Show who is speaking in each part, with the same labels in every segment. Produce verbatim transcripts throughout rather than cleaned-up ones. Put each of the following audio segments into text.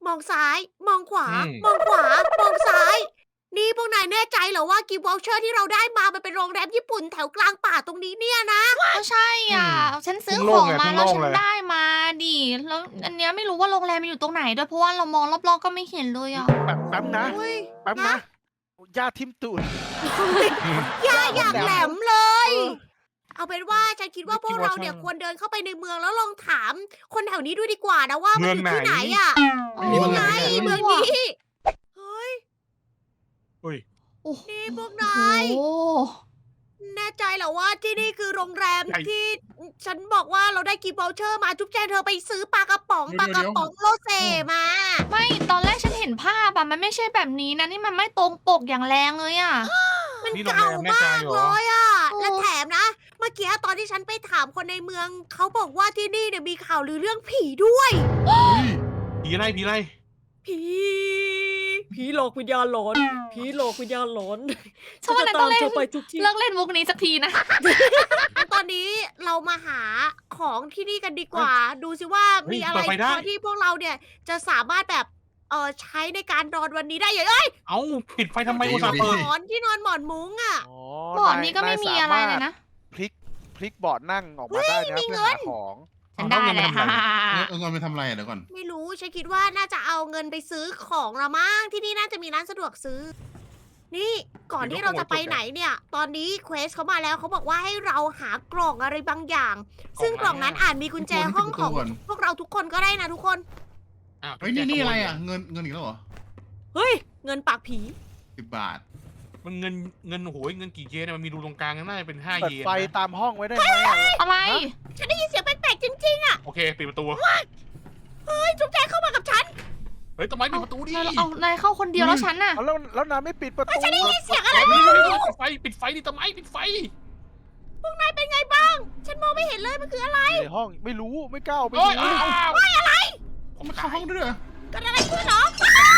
Speaker 1: มองซ้าย มองขวา
Speaker 2: อืม
Speaker 1: มองขวา มองซ้าย นี่พวกนายแน่ใจเหรอว่ากิฟต์วอลเชอร์ที่เราได้มามันเป็นโรงแรมญี่ปุ่นแถวกลางป่าตรงนี้เนี่ยนะ
Speaker 3: ก็ใช่อ่ะ
Speaker 2: อืม
Speaker 3: ฉันซื้อ
Speaker 2: เพิ่ง
Speaker 3: ข
Speaker 2: โล่
Speaker 3: อง ง
Speaker 2: ไง
Speaker 3: มา
Speaker 2: เพิ่ง
Speaker 3: แล้ว
Speaker 2: โล่ง
Speaker 3: ฉัน
Speaker 2: เลย
Speaker 3: ได้มาดิ แล้วอันเนี้ยไม่รู้ว่าโรงแรมมันอยู่ตรงไหนด้วยเพราะว่าเรามองรอบๆก็ไม่เห็นเลยอ่ะ
Speaker 4: แป๊บแป๊บนะ
Speaker 1: โอ้ย
Speaker 4: แป๊บนะย่าทิมตูด
Speaker 1: ย่าอย่างแหลมเลย
Speaker 4: เออ
Speaker 1: เอาเป็นว่าฉันคิดว่าพวกเราเนี่ย
Speaker 2: Washington
Speaker 1: ควรเดินเข้าไปในเมืองแล้วลองถาม คนแถวนี้ด้วยดีกว่านะว่ามันอยู่
Speaker 2: เมือง
Speaker 1: ที่ไห
Speaker 2: ไห
Speaker 1: น
Speaker 2: น
Speaker 1: อ่ะ
Speaker 3: อ๋อ
Speaker 1: นี่ไง
Speaker 3: ไม่รู้
Speaker 1: เมือง
Speaker 3: อะ
Speaker 1: นี้ เฮ้ย
Speaker 2: อุ้ย
Speaker 3: โอ้โห
Speaker 1: นี่พวกนาย แน่ใจเหรอว่าที่นี่คือโรงแรม
Speaker 2: ใหญ่
Speaker 1: ที่ฉันบอกว่าเราได้กิฟต์วอลเชอร์มาจุ๊บแจงเธอไปซื้อปลากระป๋อง
Speaker 5: เดี๋
Speaker 1: ปลา
Speaker 5: ยว
Speaker 1: กระป๋องโลเซมา
Speaker 3: ไม่ตอนแรกฉันเห็นภาพอะมันไม่ใช่แบบนี้นะนี่มันไม่ตรงปกอย่างแรงเลยอะ
Speaker 1: มัน
Speaker 2: นี่โรง
Speaker 1: เก่า
Speaker 2: แรมแน่ใจ
Speaker 1: มาก
Speaker 2: เหรอ
Speaker 1: เลยอ่ะ
Speaker 3: โอ้
Speaker 1: และแถมนะ เมื่อกี้ตอนที่ฉันไปถามคนในเมือง เขาบอกว่าที่นี่เนี่ยมีข่าวลือเรื่องผีด้วย
Speaker 2: ผีอะไรผีอะไร
Speaker 1: ผี ผีหลอกวิญญาณหลอน ผีหลอกวิญญาณหลอน
Speaker 3: ฉันว่า
Speaker 1: จะ
Speaker 3: นายต้องเล่น
Speaker 1: เธอไปทุกที่
Speaker 3: เลิกเล่นมุกนี้สักทีนะ
Speaker 1: ตอนนี้เรามาหาของที่นี่กันดีกว่า ดูสิว่า
Speaker 2: เฮ้ย
Speaker 1: มีอะไร
Speaker 2: เปิดไฟได้
Speaker 1: พอที่พวกเราเนี่ยจะสามารถแบบเออใช้ในการนอนวันนี้ได้อย่างเอ้ย
Speaker 2: เอ้าปิดไฟทำไม
Speaker 5: ดี
Speaker 2: อุตส่าห์
Speaker 5: ดี
Speaker 2: เปิด
Speaker 1: หมอนที่นอนหมอนมุ้งอ่ะ
Speaker 4: อ๋อ
Speaker 3: บอร์ดนี้ก็ไม่มีอะไรเลยนะ
Speaker 4: พลิกพลิกบอร์ดนั่งออกมาได้นะ
Speaker 1: มี
Speaker 4: เพื่อ
Speaker 1: เงิน
Speaker 4: หาของ
Speaker 3: ฉันได้เลย
Speaker 2: เอาเงินมาทำอะไร
Speaker 3: ฮ่า
Speaker 5: เออเงินไปทำอะไรอ่ะเดี๋ยวก่อน
Speaker 1: ไม่รู้ฉันคิดว่าน่าจะเอาเงินไปซื้อของละมั้งที่นี่น่าจะมีร้านสะดวกซื้อ นี่ก่อนที่เราจะไปไหนเนี่ย ตอนนี้เควสเขามาแล้วเขาบอกว่าให้เราหากล่องอะไรบางอย่าง ซึ่งกล่องนั้นอาจมีกุญแจห้องของพวกเราทุกคนก็ได้นะทุกคน
Speaker 2: อ้าว
Speaker 5: เฮ้ยนี่นี่อะไรอ่ะเงินเงินอีกแล้วเหรอ
Speaker 1: เฮ้ย เงินปากผี
Speaker 5: สิบบาท
Speaker 2: มันเงินเงินโอ้โหเงินกี่เยนเนี่ยมันมีรูตรงกลางน่าจะเป็นห้า
Speaker 4: เปิด
Speaker 2: เยน
Speaker 4: ไฟ
Speaker 2: นะ
Speaker 4: ตามห้องไว้ได้ไหมอะ
Speaker 3: อะไร
Speaker 1: ฉันได้ยินเสียงแปลกๆจริง
Speaker 2: โอเคปิดประตู
Speaker 1: ๆ เฮ้ย จุ๊บแจงเข้ามากับฉัน
Speaker 2: เฮ้ยทำไมปิดประตูดิ
Speaker 3: นายเอานายเข้าคนเดียวแล้วฉันน่ะ
Speaker 4: เอาแล้วแล้วน้ำไม่ปิดประตู
Speaker 1: ฉันได้ยินเสียง
Speaker 2: ปิ
Speaker 1: อะไร
Speaker 2: ด
Speaker 1: ไม่รู้
Speaker 2: ไฟปิดไฟดิทำไมปิดไฟ
Speaker 1: พวกนายเป็นไงบ้าง ฉันมองไม่เห็นเลยมันคืออะไร
Speaker 4: ในห้องไม่รู้ไม่กล้าเอาไป
Speaker 2: เฮ้ย
Speaker 4: ดู
Speaker 2: อ้าว
Speaker 5: ผมเข้าห้องด้วยเหรอ
Speaker 1: เกิดอะไรขึ้นเหรอ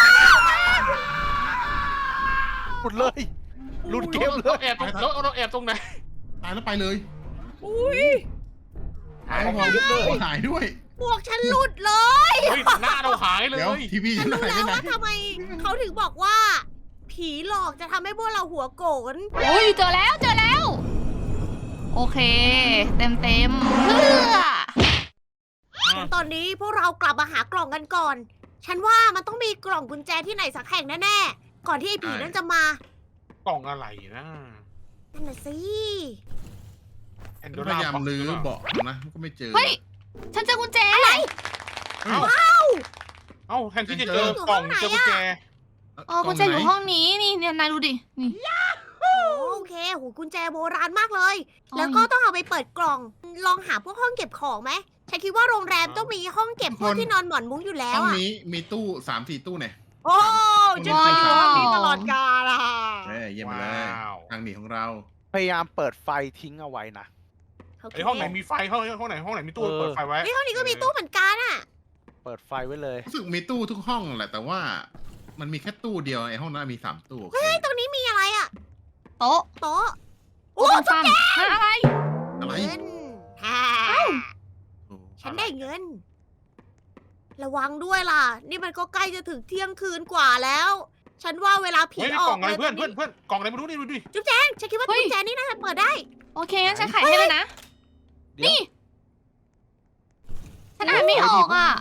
Speaker 4: หมดเลยหลุดเกมเล
Speaker 2: เรา
Speaker 4: ย
Speaker 2: แอบตรงเราเราแอบตรงไหน
Speaker 5: ตายแล้วไปเลย
Speaker 1: อุ้ย
Speaker 5: หายของหายด้วย
Speaker 1: พวกฉันหลุดเลย
Speaker 2: เฮ้ยหน้าเราหายเล
Speaker 5: เดี๋ยวย ทีวี
Speaker 1: ฉั
Speaker 5: ฉั
Speaker 1: น
Speaker 5: น
Speaker 1: รู้
Speaker 5: หาย
Speaker 1: แล้
Speaker 5: ไป
Speaker 1: ว
Speaker 5: ไหน
Speaker 1: ว่าทำไมเขาถึงบอกว่า ผีหลอกจะทำให้พวกเราหัวโกน
Speaker 3: โอ้ยเจอแล้วเจอแล้ว โอเค เต็มเต็มๆเพื่อ
Speaker 1: ตอนนี้พวกเรากลับมาหากล่องกันก่อน ฉันว่ามันต้องมีกล่องกุญแจที่ไหนสักแห่งแน่ๆ ก่อนที่ไอ้ผีนั่นจะมาก
Speaker 2: ล่องอะไรนะ
Speaker 1: นั่นน่ะสิ
Speaker 2: แอนโด
Speaker 5: พ
Speaker 2: ราย
Speaker 5: ายามลื้อเบาะนะก็ไม่เจอ
Speaker 3: เฮ้ย ฉันเจอกุญแจ
Speaker 1: อะไร
Speaker 2: เอ้าเอ้าแทนที่จะเจอกล่องเจอกุญแจ
Speaker 3: อ๋อกุญแจอยู่ห้องนี้นี่เนี่ยนายดูดิ นี่
Speaker 1: โอเคโหกุญแจโบราณมากเลย
Speaker 3: อ๋อ
Speaker 1: แล้วก็ต้องเอาไปเปิดกล่อง ลองหาพวกห้องเก็บของไหมฉันคิดว่าโรงแรมต้องมีห้องเก็บพวกที่นอนหมอนมุ้งอยู่แล้
Speaker 5: ห้
Speaker 1: ว
Speaker 5: อง
Speaker 1: อะ
Speaker 5: นี้มีตู้สามสี่ตู้เนี่ย
Speaker 1: โอ้ฉันจะอยู่ห้องนี้ตลอดกาลอะ
Speaker 5: เอ้ยเยี่ยมไปเลย
Speaker 2: ว้าว
Speaker 5: ทางหนีของเรา
Speaker 4: พยายามเปิดไฟทิ้งเอาไว้นะ
Speaker 1: โอเค
Speaker 2: ไอห้องไหนมีไฟห้องห้องไหนห้องไหนมีตู้
Speaker 4: เออ
Speaker 2: เปิดไฟไว้
Speaker 1: เฮ้ยห้องนี้ก็มีตู้เหมือนกันอะ
Speaker 4: เปิดไฟไว้เลย
Speaker 5: รู้สึกมีตู้ทุกห้องแหละแต่ว่า มันมีแค่ตู้เดียวไอ้ห้องนั้นมีสามตู้โอเค
Speaker 1: เฮ้ยตรงนี้มีอะไรอะ
Speaker 3: โต๊ะ
Speaker 1: โต๊ะ โอ้
Speaker 3: โต๊ะ
Speaker 1: จุ๊
Speaker 3: ฟั
Speaker 1: บ
Speaker 3: น
Speaker 1: แจ
Speaker 3: ฮะอะไร
Speaker 5: อะไร
Speaker 1: เงินฮ่า
Speaker 5: โอ้
Speaker 1: ฉันได้เงิน ระวังด้วยล่ะ นี่มันก็ใกล้จะถึงเที่ยงคืนกว่าแล้ว ฉันว่าเวลาผี
Speaker 2: เฮ้ย
Speaker 1: อ
Speaker 2: ก
Speaker 1: อ
Speaker 2: ล่อก งอะไร
Speaker 1: เลย
Speaker 2: เพื่อน
Speaker 1: ต
Speaker 2: เพื่อนเพื่อนกล่องอะไรไม่รู้นี่ดูดิ
Speaker 1: จุ๊บแจงฉันคิดว่า
Speaker 3: เฮ้ย
Speaker 1: กุญแจนี่น่าจะเปิดได้
Speaker 3: โอเคงั้นฉันไขให้เลยนะ
Speaker 4: เดี๋ยว
Speaker 3: นี่ ฉันอ่านไม่ออกอ่ะ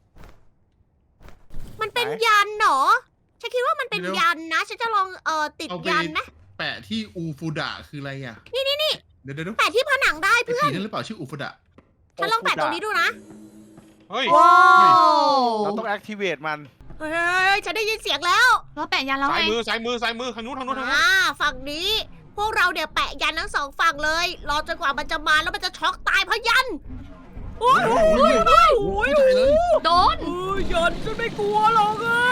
Speaker 1: มันเป็น
Speaker 4: ไหน
Speaker 1: ยันเหรอ ฉันคิดว่ามันเป็นยันนะ ฉันจะลองเอ่อติด
Speaker 5: เอาไป
Speaker 1: ยันไหม
Speaker 5: แปะที่อูฟูดะคืออะไรอ่ะ
Speaker 1: นี่นี่นี่
Speaker 5: เดี๋ยวเดี๋ยวเดี๋ยว
Speaker 1: แปะที่ผนังได้
Speaker 5: ไอ้
Speaker 1: เพื่อ
Speaker 5: ผี
Speaker 1: น
Speaker 5: นั่นหรือเปล่าชื่ออูฟูดะ
Speaker 1: ฉันลองแปะตรงนี้ดูนะ
Speaker 2: เฮ้ย
Speaker 1: ว้าว
Speaker 4: เราต้อง activate มัน
Speaker 1: เฮ้ย ฉันได้ยินเสียงแล้ว
Speaker 3: แล้วแปะยันแล้ว
Speaker 2: ซ้า
Speaker 3: ไง
Speaker 2: ยมือซ้ายมือซ้ายมือทางนู้นทางนู้นทางนู้น
Speaker 1: อ่า ฝั่งนี้ พวกเราเนี่ยแปะยันทั้งสองฝั่งเลย รอจนกว่ามันจะมาแล้วมันจะช็อกตายเพราะยัน โอ้ยโอ้ยโอ้ยโอ้ย
Speaker 5: ไม่ใจเลย
Speaker 3: โดน
Speaker 1: เออยันฉันไม่กลัวหรอกอะ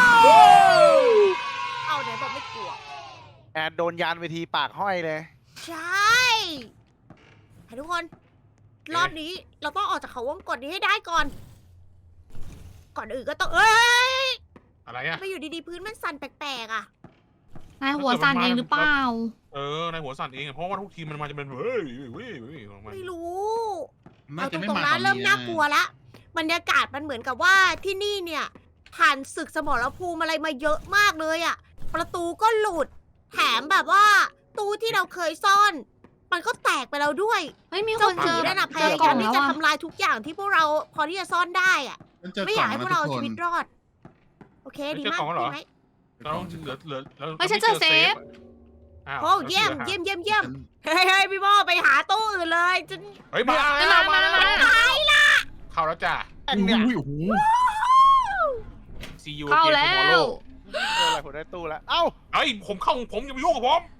Speaker 1: เอาไหนบอกไม่กลัว
Speaker 4: แอดโดนยานเวทีปากห้อยเลย
Speaker 1: ใช่ให้ทุกคน รอบนี้เราต้องออกจากเขาวงกตนี้ให้ได้ก่อน ก่อนอื่นก็ต้อง เอ้ย
Speaker 2: อะไรอะ
Speaker 1: ไม่อยู่ดีๆพื้นมันสั่นแปลกๆอ่ะ
Speaker 3: นายหัวสั่นเองหรือเปล่า
Speaker 2: เออในหัวสั่นเองอะเพราะว่าทุกทีมมันมาจะเป็นเฮ้ยเว้ยเว้ยลงมา
Speaker 1: ไม่รู้
Speaker 5: น่า
Speaker 1: เอาต
Speaker 5: จะไม่
Speaker 1: รง
Speaker 5: มา
Speaker 1: ๆนะ
Speaker 5: ตอน
Speaker 1: เริ่ม
Speaker 5: นี้
Speaker 1: น่ากลัวละบรรยากาศมันเหมือนกับว่าที่นี่เนี่ยผ่านศึกสมรภูมิอะไรมาเยอะมากเลยอะประตูก็หลุด แถมแบบว่า ตู้ที่เราเคยซ่อน มันก็แตกไปแล้วด้วย
Speaker 3: เฮ้ยมีค
Speaker 1: เจ้าน ผี
Speaker 3: เจอ
Speaker 1: นั่นน่ะพ
Speaker 3: เจอย
Speaker 1: าก
Speaker 3: ล่
Speaker 1: ยา
Speaker 3: อ
Speaker 1: ม
Speaker 3: ง
Speaker 1: ที่
Speaker 3: แล้ว
Speaker 1: จะ
Speaker 3: อะ
Speaker 1: ทำลายทุกอย่างที่พวกเราพอที่จะซ่อนได้อะ
Speaker 5: ฉันเจอ
Speaker 1: ไม่
Speaker 5: ก
Speaker 1: อ
Speaker 5: ล่
Speaker 1: ยา
Speaker 5: อก ง
Speaker 1: ให้
Speaker 5: แล้ว
Speaker 1: พวก
Speaker 5: ทุ
Speaker 1: เรา
Speaker 5: กคน
Speaker 1: ชีวิตรอด โอเคดีมาก
Speaker 2: เจอกล่องแล้วเหรอ
Speaker 1: ดีไหม
Speaker 2: เราเหลือเหลือเรา
Speaker 3: เฮ้ยฉันเจอเซฟ
Speaker 2: อ้าว
Speaker 1: โอ้เยี่ยมเยี่ยมเยี่ยมเยี่ยมเฮ้ยเฮ้ยพี่โมไปหาตู้อื่นเลยจน
Speaker 2: เฮ้ยมา
Speaker 3: ไม่
Speaker 2: แล้ว
Speaker 3: มา
Speaker 2: มา
Speaker 3: มา
Speaker 2: แล้ว
Speaker 3: มา
Speaker 2: เข้าแล้วจ้ะ
Speaker 4: แองเนี่ย
Speaker 5: โอ้โห
Speaker 2: ซียู
Speaker 3: เข้าแล้ว
Speaker 4: เจออะไรผมได้ตู้แล้ว เอ้า
Speaker 2: เฮ้ยผมเข้าของผมอย่าไปยุ่งกับผม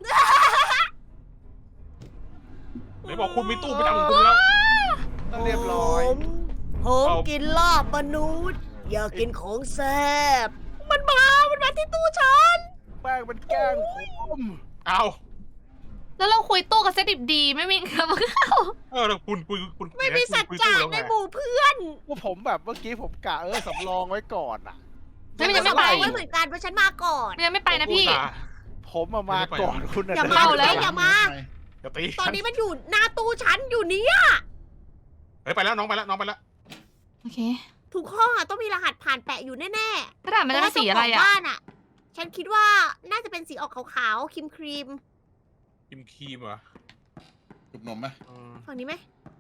Speaker 2: ไหนบอกคุณมีตู้ประจำของคุณแล้ว
Speaker 4: ก็เรียบร้อย
Speaker 1: ผมผม
Speaker 2: เอา
Speaker 1: กินลาบมนุษย์ อยากกินของแซ่บมันมา มันมาที่ตู้ฉัน
Speaker 4: แป้งมันแกล้งผม
Speaker 2: เอา
Speaker 3: แล้วเราคุยตู้กับเซตดิบดีไม่มีครับเข้า
Speaker 2: เออแล้วคุณคุณคุณ
Speaker 1: ไม่มีสัจ
Speaker 2: คุณ
Speaker 1: จะ
Speaker 2: คุยตู้แล้ว
Speaker 1: ใน
Speaker 2: ไง
Speaker 1: หมู่เพื่อน
Speaker 4: ว่าผมแบบเมื่อกี้ผมกะเออสำรองไว้ก่อนอ่ะ
Speaker 3: ไม่มีจะไม่
Speaker 1: ไป
Speaker 3: ไป
Speaker 1: ไว้เหมือนกันเพราะฉันมาก่อน
Speaker 3: ยังไม่ไปนะพี่
Speaker 2: อุตส่าห์
Speaker 4: ผมมามาก่อนคุณน่ะ
Speaker 1: อย่า
Speaker 4: เดิน
Speaker 1: มา
Speaker 3: แล้ว
Speaker 1: อย่ามา
Speaker 2: อย่าตี
Speaker 1: ตอนนี้มันอยู่หน้าตู้ฉันอยู่เนี้ย
Speaker 2: เฮ้ยไปแล้วน้องไปแล้วน้องไปแล้ว
Speaker 3: โอเค
Speaker 1: ทุกห้องอะต้องมีรหัสผ่านแปะอยู่แน่ๆ
Speaker 3: กระดาษมันจะเป็นสีอะไร
Speaker 1: เพาว่าเจ้าขง
Speaker 3: อ่ะ
Speaker 1: บ้านอะฉันคิดว่าน่าจะเป็นสีออกขาวๆครีมครีม
Speaker 2: กิมครีมเหรอ
Speaker 5: จุบนมไหม
Speaker 2: เออ
Speaker 1: ๆฝั่งนี้ไหม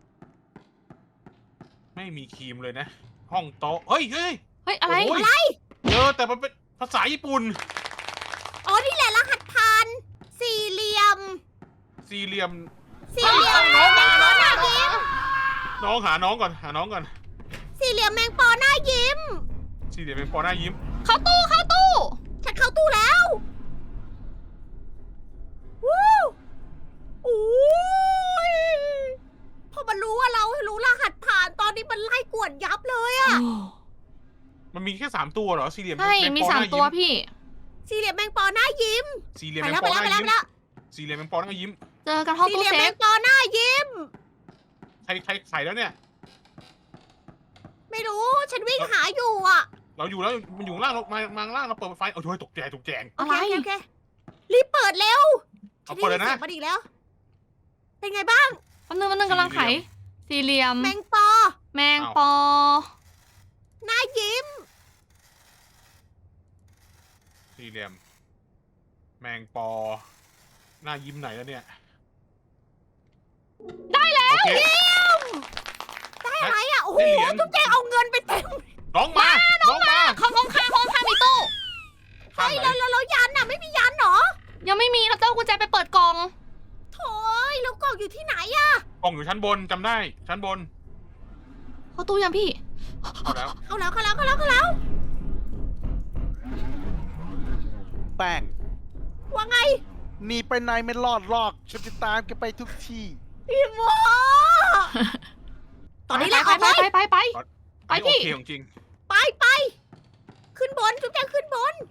Speaker 2: ไม่มีครีมเลยนะ ห้องโต๊ะเฮ้ยเฮ้ย
Speaker 3: เฮ้ยอะไร
Speaker 2: โอ้ยเออแต่มันเป็นภาษาญี่ปุ่น
Speaker 1: อ๋อนี่แหละรหัสผ่านสี่เหลี่ยม
Speaker 2: สี่เหลี่ยม
Speaker 1: สี่เหลี่ยม
Speaker 2: น้อง
Speaker 1: แม
Speaker 2: มาง
Speaker 1: ปอหน้ายิ้ม
Speaker 2: น้องหาน้องก่อนหาน้องก่อน
Speaker 1: สี่เหลี่ยมแมงปอหน้ายิ้ม
Speaker 2: สี่เหลี่ยมเป็นปอหน้ายิ้ม
Speaker 3: เข้าตู้เข้าตู้
Speaker 1: ฉันเข้าตู้แล้ววู้อู้ยพอมันรู้ว่าเรารู้รหัสผ่านตอนนี้มันไล่กวดยับเลยอะ
Speaker 2: มันมีแค่สามตัวเหรอสี่เหลี่ยม
Speaker 3: ใช่
Speaker 2: แง
Speaker 3: มี
Speaker 2: ปอ
Speaker 3: สาม
Speaker 2: หน้
Speaker 3: ตัว
Speaker 2: ยิ้
Speaker 3: พี่
Speaker 1: สี่เหลี่ยมแมงปอหน้ายิ้ม
Speaker 2: สี่เหลี่ยม
Speaker 1: ไป
Speaker 2: เป็น
Speaker 1: แล้ว
Speaker 2: ป
Speaker 1: ไป
Speaker 2: อห
Speaker 1: แล้ว
Speaker 2: น้า
Speaker 1: ไปแล้ว
Speaker 2: ยิ้ม
Speaker 1: ไปแล้ว
Speaker 2: สี่เหลี่ยมเป็นปอหน้ายิ้ม
Speaker 3: เจอกันห้อง
Speaker 1: สี่
Speaker 3: ตู้
Speaker 1: เหลี่ยม
Speaker 3: เซ
Speaker 1: แม
Speaker 3: ฟ
Speaker 1: งปอหน้ายิ้ม
Speaker 2: ใครใครใส่แล้วเนี่ย
Speaker 1: ไม่รู้ฉันวิ่งหาอยู่อะ
Speaker 2: เราอยู่แล้วมันอยู่ข้างล่างเรามามาข้างล่างเราเปิดไฟเอาโอ้ยตกใจตกแจง
Speaker 1: โอ
Speaker 3: อะไร
Speaker 1: เคโอเคโอเครีบเปิดเร็ว
Speaker 2: เอาเปิดเลยนะ
Speaker 1: ฉัได้ยิสีงมันอีกแล้ว เป็นไงบ้าง
Speaker 3: วันนึงวันนึงกำลังไข สี่เหลี่ยม
Speaker 1: แมงปอ
Speaker 3: แมงปอ
Speaker 1: หน้ายิ้ม
Speaker 2: สี่เหลี่ยม แมงปอ หน้ายิ้มไหนแล้วเนี่ย
Speaker 3: ได้แล้ว
Speaker 2: โอเค
Speaker 1: ได้อะไรอ่ะ โอ้โห
Speaker 2: ได้เหรียญ
Speaker 1: ทุกแจงเอาเงินไปเต็ม
Speaker 2: น้องมา น้องมา
Speaker 3: ห้องห้องข้างห้องข้างมีตู้
Speaker 2: ข้าง
Speaker 1: เฮ้ย
Speaker 2: ไหน
Speaker 1: แล้วแล้วแล้วยันอ่ะ ไม่มียันเหรอ
Speaker 3: ยังไม่มีเราต้องเอากุญแจไปเปิดกล่อง
Speaker 1: โถ่ยแล้วกล่องอยู่ที่ไหนอ่ะ
Speaker 2: กล่องอยู่ชั้นบนจำได้ ชั้นบน
Speaker 3: เข้าตู้ยังพี่
Speaker 2: เอาแล้ว
Speaker 1: เข้าแล้วเข้าแล้วเข้าแล้วเข้าแล้ว
Speaker 4: แป้ง
Speaker 1: ว่าไง
Speaker 4: หนีไปไหนไม่รอดหรอกฉันจะตามแกไปทุกที่
Speaker 1: พี่โมตอนนี้แหละ
Speaker 3: ไป
Speaker 1: ออก
Speaker 3: ไป
Speaker 1: เลย
Speaker 3: ไปไปไป
Speaker 2: อันนี้
Speaker 3: พี่
Speaker 2: โอเคของจริง
Speaker 1: ไปไป ขึ้นบนทุกแจงขึ้นบน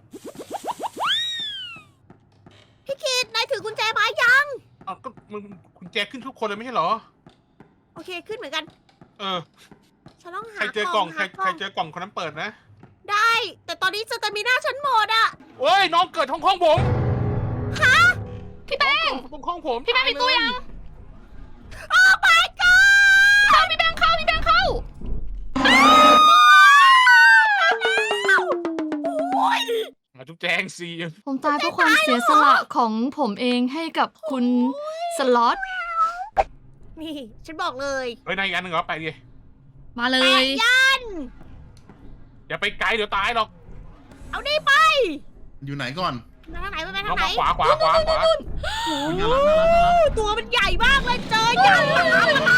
Speaker 1: พี่คิดนายถือกุญแจมายัง
Speaker 2: เอาก็มึงคุณแจขึ้นทุกคนเลยไม่ใช่เหรอ
Speaker 1: โอเคขึ้นเหมือนกัน
Speaker 2: เออ
Speaker 1: ฉันต้อง
Speaker 2: ใค
Speaker 1: หาร
Speaker 2: เจอกล่อง ใคร
Speaker 1: หาก
Speaker 2: ใครเจอกล่องคนนั้นเปิดนะ
Speaker 1: ได้ แต่ตอนนี้สเตมิน่าฉันหมดอ่ะ
Speaker 2: เอ้ย น้องเกิดห้องห้องผม
Speaker 3: พี่แป้ง
Speaker 2: ตรงห้องผม
Speaker 3: พี่แป้งมีตู้ยัง
Speaker 1: โอ้ my god
Speaker 3: เข้าพี่แป้งเข้าพี่แป้งเข้า
Speaker 1: โอ้ย
Speaker 2: มาจุ๊บแจงซี
Speaker 3: ผมตายเพราะความเสียสละของผมเองให้กับคุณสล็อต
Speaker 1: นี่ ฉันบอกเลย
Speaker 2: เฮ้ยนายอีกอันหนึ่งเหรอไปดิ
Speaker 3: มาเล
Speaker 1: แปะ
Speaker 3: ย
Speaker 1: ยัน
Speaker 2: อย่าไปไกลเดี๋ยวตายหรอก
Speaker 1: เอานี่ไป
Speaker 5: อยู่ไหนก่อน
Speaker 1: มาทางไหนไป
Speaker 2: น้อ
Speaker 1: ทาง งไหน
Speaker 2: มาขวาขวาขวาขวา
Speaker 5: โอ้ยน่ารักน่ารักน่ารัก
Speaker 1: ตัวมันใหญ่มากเลยเจอยันมาทำอะไร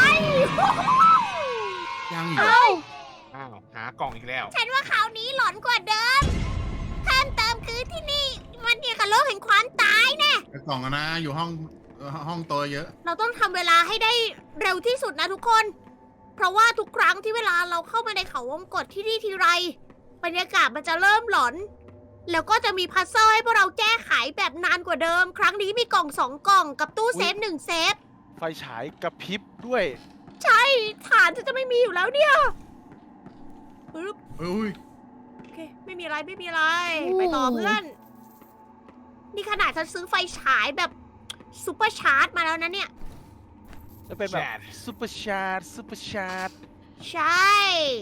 Speaker 5: ยังอีก
Speaker 3: เอ้า
Speaker 2: อ้าวหากล่องอีกแล้ว
Speaker 1: ฉันว่าคราวนี้หลอนกว่าเดิมเพิ่มเติมคือที่นี่ มันเกี่ยวกับโลกแห่งความตายแน่
Speaker 5: แต่กล่องอะนะ อยู่ห้องเอ่อห้องโตเยอะ
Speaker 1: เราต้องทำเวลาให้ได้เร็วที่สุดนะทุกคน เพราะว่าทุกครั้งที่เวลาเราเข้ามาในเขาวงกตที่นี่ทีไร บรรยากาศมันจะเริ่มหลอน แล้วก็จะมีพัซเซิลให้พวกเราแก้ไขแบบนานกว่าเดิม ครั้งนี้มีกล่องสองกล่องกับตู้เซฟหนึ่งเซฟ
Speaker 4: ไฟฉายกระพริบด้วย
Speaker 1: ใช่ฐานฉันจะไม่มีอยู่แล้วเนี่ยปึ๊บ
Speaker 5: เอ้ย
Speaker 1: โอเค ไม่มีอะไรไม่มีอะไร ไปต่อเพื่อน นี่ขนาดฉันซื้อไฟฉายแบบซูเปอร์ชาร์จมาแล้วนะเนี่ย
Speaker 4: จะเป็นแบบ
Speaker 2: แชท
Speaker 4: ซูเปอร์ชาร์จซูเปอร์ชาร์จ
Speaker 1: ใช่
Speaker 2: โอ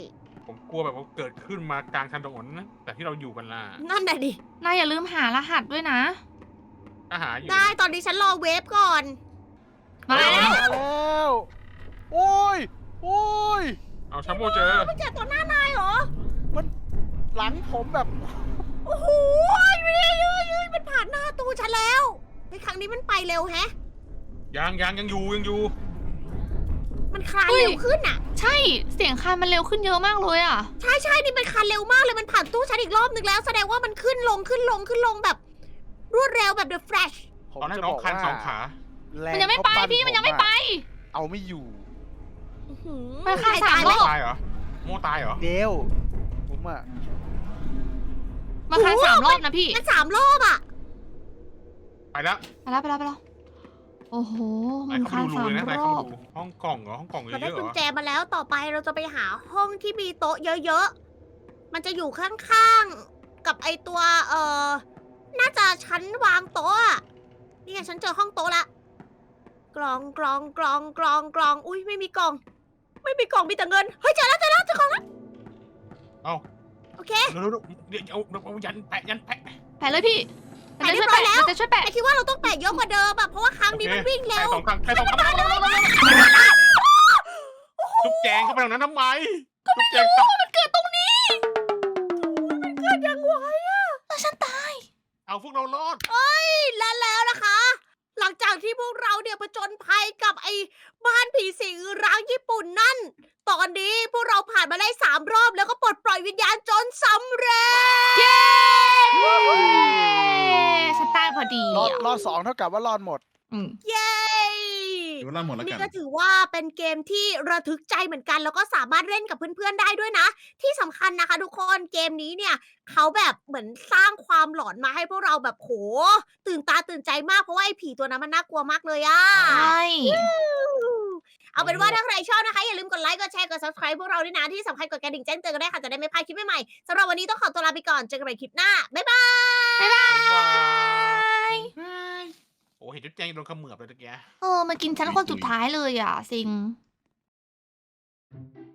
Speaker 2: ผมกลัวแบบว่าเกิดขึ้นมากลางถนนนะแต่ที่เราอยู่กันล่ะ
Speaker 1: นั่นน่ะดิ
Speaker 3: นายอย่าลืมหารหัสด้วยนะ
Speaker 2: อาหารอยู่
Speaker 1: ได้ตอนนี้ฉันรอเวฟก่อน
Speaker 3: มาแล้ว
Speaker 4: มาแล้ว โอ้ย โอ้ย
Speaker 2: เอาชัมโบเจอ
Speaker 1: ไม่เจอต่อหน้านายเหรอ
Speaker 4: มันหลังผมแบบ
Speaker 1: โอ้โหไม่ได้ยืยยืยมันผ่านหน้าตู้ฉันแล้วในครั้งนี้มันไปเร็วแฮะ
Speaker 2: ยังยังยังอยู่ยังอยู่
Speaker 1: มันคลานเร็วขึ้นอ่ะ
Speaker 3: ใช่ เสียงคานมันเร็วขึ้นเยอะมากเลยอ่ะ
Speaker 1: ใช่ใช่นี่มันคลานเร็วมากเลยมันผ่านตู้ฉันอีกรอบนึงแล้ว แสดงว่ามันขึ้นลงขึ้นลงขึ้นลงแบบ รวดเร็วแบบ The Flash
Speaker 4: ผม
Speaker 2: ตอนแรก
Speaker 4: จะ
Speaker 2: น้
Speaker 4: บ
Speaker 2: อง
Speaker 4: อก
Speaker 2: คัน
Speaker 4: ว่า
Speaker 2: สองขา
Speaker 4: แร
Speaker 3: มันยังไม่ไป
Speaker 4: เขาปั้
Speaker 3: พี่มันยังไม่ไป
Speaker 4: อะเอาไม่อยู่
Speaker 1: อื้อหือ
Speaker 3: มันคลานสาม
Speaker 1: ตย
Speaker 3: ร
Speaker 1: ไห
Speaker 3: อบ
Speaker 2: ตายเหรอ โม่ตายเหรอ
Speaker 4: เดียวผมอะ
Speaker 3: มาคานสามรอบนะพี่
Speaker 1: มันสามรอบอ่ะ
Speaker 2: ไปแล้ว
Speaker 3: ไปแล้วไปแล้วไปแล้ว โอ้โห
Speaker 2: ไหน
Speaker 3: มัน
Speaker 2: เข้าไป
Speaker 3: คาน
Speaker 2: ดูรู
Speaker 3: สาม
Speaker 2: เลยนะไหน
Speaker 3: ร
Speaker 2: เข้า
Speaker 3: อ
Speaker 2: ไป
Speaker 3: บ
Speaker 2: ดูห้องกล่องเหรอ ห้องกล่องเย
Speaker 1: เราได้
Speaker 2: อะๆเห
Speaker 1: กุ
Speaker 2: ร
Speaker 1: ญ
Speaker 2: อ
Speaker 1: แจมาแล้วต่อไปเราจะไปหาห้องที่มีโต๊ะเยอะๆ มันจะอยู่ข้างๆ กับไอตัวเอ่อ น่าจะชั้นวางโต๊ะอะนี่ไงฉันเจอห้องโต๊ะละ กล่องกล่องกล่องกล่องกล่อง อุ้ยไม่มีกล่อง ไม่มีกล่องมีแต่เงิน เฮ้ยเจอแล้วเจอแล้วเจอกล่องแล้ว
Speaker 2: เอ้า
Speaker 1: โอเค
Speaker 2: เดี๋ยวๆเดี๋ยวเอาเอายันแปะยันแปะ
Speaker 3: แปะเลยพี่
Speaker 1: แปะเรียบร้อยแล้ว
Speaker 3: มันจะช่วยแปะ
Speaker 1: แต่คิดว่าเราต้องแปะเยอะกว่าเดิมอะเพราะว่าครั้งนี้มันวิ่งเร็
Speaker 2: ใคร
Speaker 1: ว
Speaker 2: สองครั้งใครสองครั้งจุ๊บแจงเข้าไปตรงนั้นทำไมจุ๊บแจงตาย
Speaker 3: มันเกิดตรงนี้
Speaker 1: มันเกิดยังไงอะ
Speaker 3: แล้วฉันตาย
Speaker 2: เอาพวกเรารอด
Speaker 1: และแล้วนะคะ หลังจากที่พวกเราเนี่ยผจญภัยกับไอ้บ้านผีสิงร้างญี่ปุ่นนั่น ตอนนี้พวกเราผ่านมาได้สามรอบแล้วก็ปลดปล่อยวิญญาณจนสำเร็จ
Speaker 3: เย้ฉันตายพอดี
Speaker 4: รอด
Speaker 3: อ่ะ
Speaker 4: รอดสองเท่ากับว่ารอดหมด
Speaker 3: อืม
Speaker 1: เย้
Speaker 5: ถือว่าเราหมดแล้ว
Speaker 1: นี่
Speaker 5: กัน
Speaker 1: ก็ถือว่าเป็นเกมที่ระทึกใจเหมือนกัน แล้วก็สามารถเล่นกับเพื่อนๆได้ด้วยนะ ที่สำคัญนะคะทุกคนเกมนี้เนี่ยเขาแบบเหมือนสร้างความหลอนมาให้พวกเราแบบโห ตื่นตาตื่นใจมากเพราะว่าไอ้ผีตัวนั้นมันน่ากลัวมากเลยอะ
Speaker 3: ใช่
Speaker 1: เอาเป็นว่าถ้าใครชอบนะคะ อย่าลืมกดไลค์ กดแชร์ กด subscribe พวกเราด้วยนะ ที่สำคัญกดกระดิ่งแจ้งเตือนกันได้ค่ะ จะได้ไม่พลาดคลิปใหม่ๆสำหรับวันนี้ต้องขอตัวลาไปก่อน เจอกันใหม่คลิปหน้า บ๊ายบาย
Speaker 3: บ๊ายบาย
Speaker 2: โอ้เห็นจุ๊บแจงโดนเขมือบเลยตะเกีย
Speaker 3: เออมากินฉันคนสุดท้ายเลยอ่ะ ซิง